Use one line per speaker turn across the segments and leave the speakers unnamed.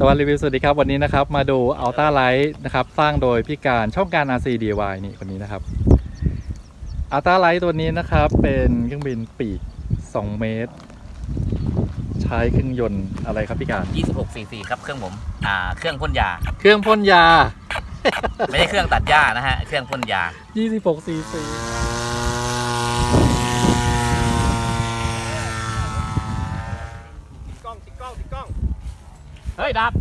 ตะวันรีวิวสวัสดีครับวันนี้นะครับมาดู Ultra Light นะครับสร้างโดยพี่การช่องการ RC DIY นี่คนนี้นะครับ Ultra Light ตัวนี้นะครับเป็นเครื่องบินปีก2เมตรใช้เครื่องยนต์อะไรครับพี่การ
26 cc ครับเครื่องผมเครื่องพ่นยา
เครื่องพ่นยา
ไม่ใช่เครื่องตัดหญ้านะฮะเครื่องพ่นยา
26 cc
ติดกล้อง
เฮ้ยดับ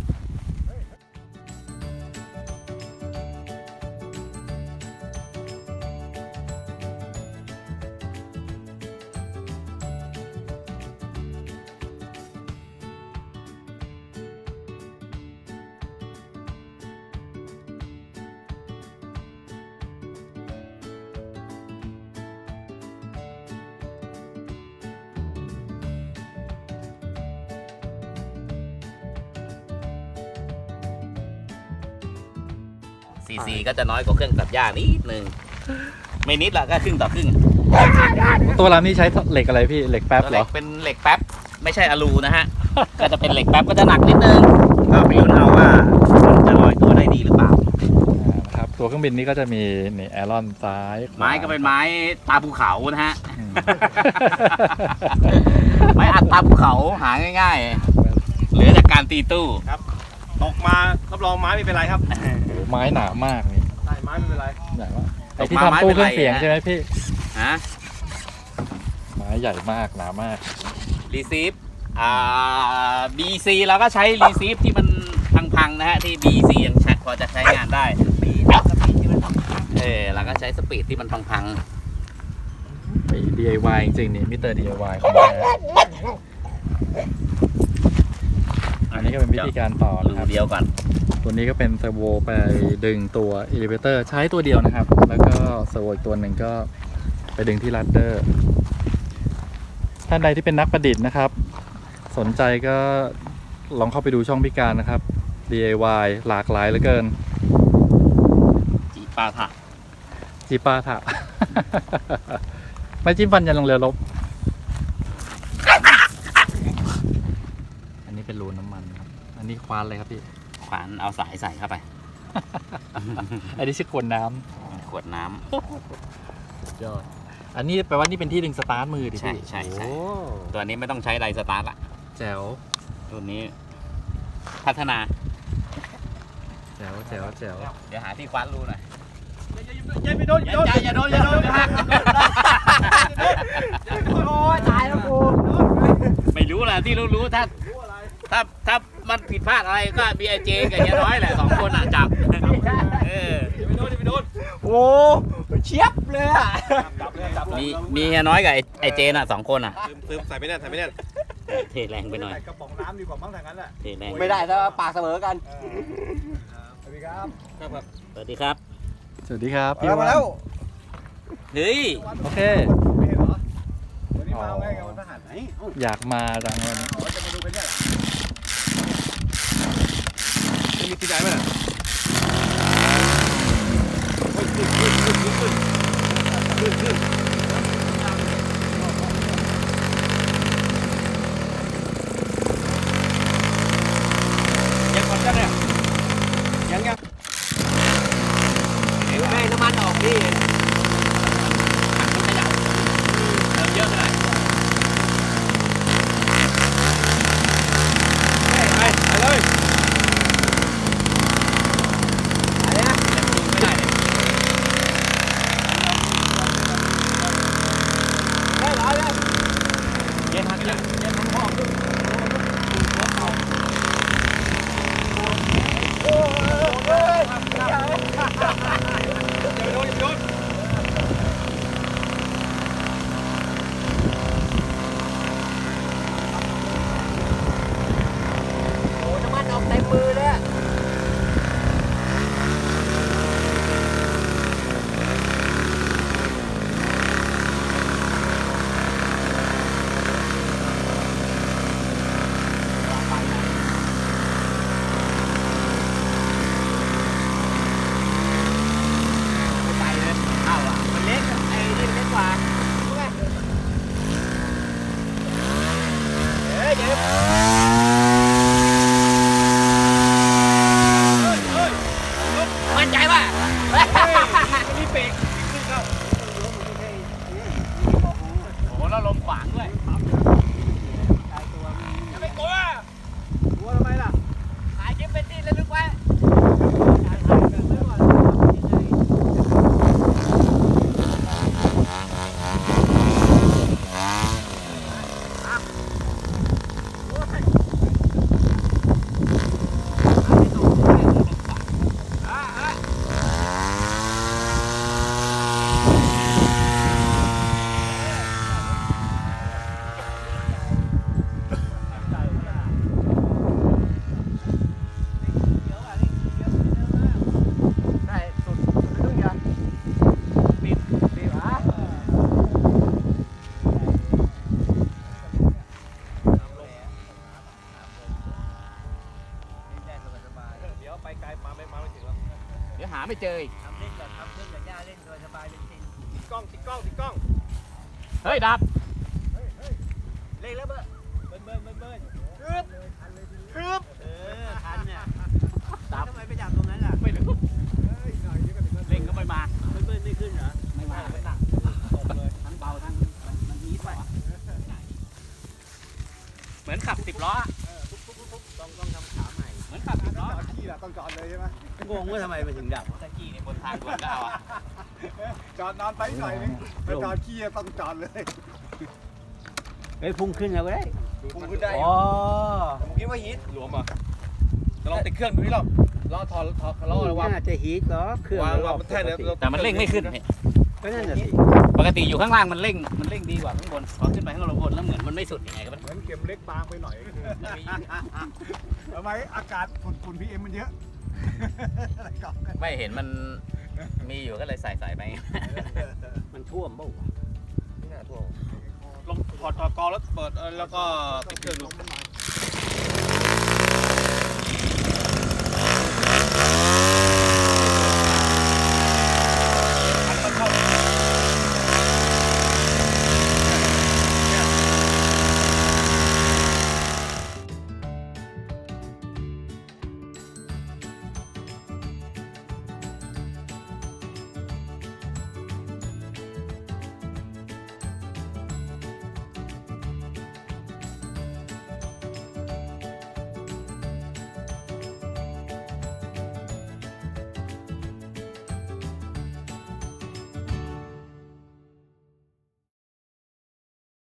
ซีซีก็จะน้อยกว่าเครื่องตัดหญ้านิดนึงไม่นิดละก็ครึ่งต่อครึ่ง
ตัวลำนี้ใช้เหล็กอะไรพี่เหล็กแป๊บเหรอ
เป็นเหล็กแป๊บไม่ใช่อลูนะฮะ ก็จะเป็นเหล็กแป๊บก็จะหนักนิดนึงก็ไปลุ้นเอาว่ามันจะลอยตัวได้ดีหรือเปล่า
นะครับตัวเครื่องบินนี้ก็จะมีนี่แอรอนซ้าย
ไม้ก็เป็นไม้ตาภูเขานะฮะ ไม้อัดตาภูเขาหาง่ายๆเหลือจากการตีตู้
ครับตกมารับรองไม้ไม่เป็นไรครับ
ไม้หนามากนี่
ใช่ไม้ไม่เป็นไร
ใหญ่มากไอ้ที่ทำตู้เครื่องเสียงใช่ไหมพี่
ฮะ
ไม้ใหญ่มากหนามาก
รีซีฟBC เราก็ใช้รีซีฟที่มันพังๆนะฮะที่ BC ยังพอจะใช้งานได้เราก็ใช้สปีดที่มันพัง
ๆDIY จริงๆนี่มิสเตอร์ DIY ของแท้อันนี้ก็เป็นวิธีการต่อนะครับ
เดียวก่อน
ตัวนี้ก็เป็นเซอร์โวไปดึงตัวอิเลเวเตอร์ใช้ตัวเดียวนะครับแล้วก็เซอร์โวอีกตัวหนึ่งก็ไปดึงที่ลัดเดอร์ท่านใดที่เป็นนักประดิษฐ์นะครับสนใจก็ลองเข้าไปดูช่องพิการนะครับ DIY หลากหลายเหลือเกิน
จีปาถะ
ไม่จิ้มฟันยันลงเรือรบอันนี้เป็นรูน้ำมันครับอันนี้ควานเลยครับพี่
ควานเอาสายใส่เข้าไป
อันนี้ชื่อขวดน้
ำ
ยอดอันนี้แปลว่านี่เป็นที่ดึงสตาร์ทมือดิพี่
ใช่ตัวนี้ไม่ต้องใช้ไดสตาร์ทละ
แจ๋ว
ตัวนี้พัฒนา
แจ๋ว
เดี๋ยวหาที่คว้านรูหน่อย
อย่าโดน
โอ้ยตายแล้วกูไม่รู้แหละที่รู้ถ้ามันผิดพลาดอะไรก็มีไอเจกับเฮียน้อยแหละ2 คนจับ
อย่าไปโดน
โอ้เชียบเลยอ่ะมีเฮียน้อยกับไอเจน่ะ2 คน
ซึมใส่ไม่แน่
เทแรงไปหน่อย
กระป๋องน้ำดีกว่ามั้งทางนั้นแหละ
เทแรง
ไม่ได้ถ้าปากเสมอกัน
สวัสดีครับ
สวัสดีครับ
พี่
มาแล้ว
เฮ้ย
โอเค
ไม่เห็นเหรอวันนี้มาไงกับวันทหารไหน
อยากมาจังเลย
จะมาดูกันเนี่ยมีที่ไหนไหมยังก่อนจะเนี่ยยัง
แม่น้ำมันออกดิมันขยับเยอะเลย
ไปเลย
วางด้วยอย่าไปกลัว
กลัวทำไมล่ะ
ถ่ายคลิปเป็นที่ระลึกไว้
ได้สุดเรื่องอย่าง
ปิด
ดีหวะเดี๋ยวไปไกลมาไม่ถึงแล้ว
เดี๋ยวหาไม่เจออีก
ติดกล้อง
เฮ้ยดับ
เล่นแล้วเบิ้ลฮึบทันเนี่ย
ดับ
ทำไมไปจับตรงนั้นล่ะ
ไม่รู้เร่งก็ไม่มา
เบิ้ลไม่ขึ้นเหรอ
ไม่มาไม่หนักทั้งเบาทั้งมันมีดไปเหมือนขับ10 ล้อ
ต้องทำขาใหม่
เหมือนขับ10 ล้อ
ขี้ละต้องจอดเลยใช่ไหม
งงว่าทำไมมันถึงดับ
ตะกี้เนี่ยบนทางด่วนก็เอาอะ
จอดนอนไปหน่อยนึงไปจอดขี้ต้องจอดเลย
เฮ้ยพุ่งขึ้นแล้วก็ได้
ผมขึ้นได้
อ๋อ
ผมคิดว่าฮิตหลวมอ่ะจะลองติดเครื่องดูนี่หรอล้อถอดล้อระวัง
น่าจะฮีทเหรอเครื่อง
วาง
รอบ
มันแท้เดี๋ยว
แต่มันเร่งไม่ขึ้นเนี่ย
ก็นั่นน่ะสิ
ปกติอยู่ข้างล่างมันเร่งดีกว่าข้างบนพอขึ้นไปข้างบนแล้วเหมือนมันไม่สุดยังไงก็มัน
เหมือนเข็มเล็กบางไปหน่อยทำไมอากาศฝุ่นพีเอ็มมันเยอะอะไรก่อน
ไม่เห็นมันมีอยู่ก็เลยใส่ไป
มันท่วมเปล่าวะ
นี่น่าท่วม
ลงถอดกอแล้วเปิดแล้วก็ติดเครื่องดู
มันหนา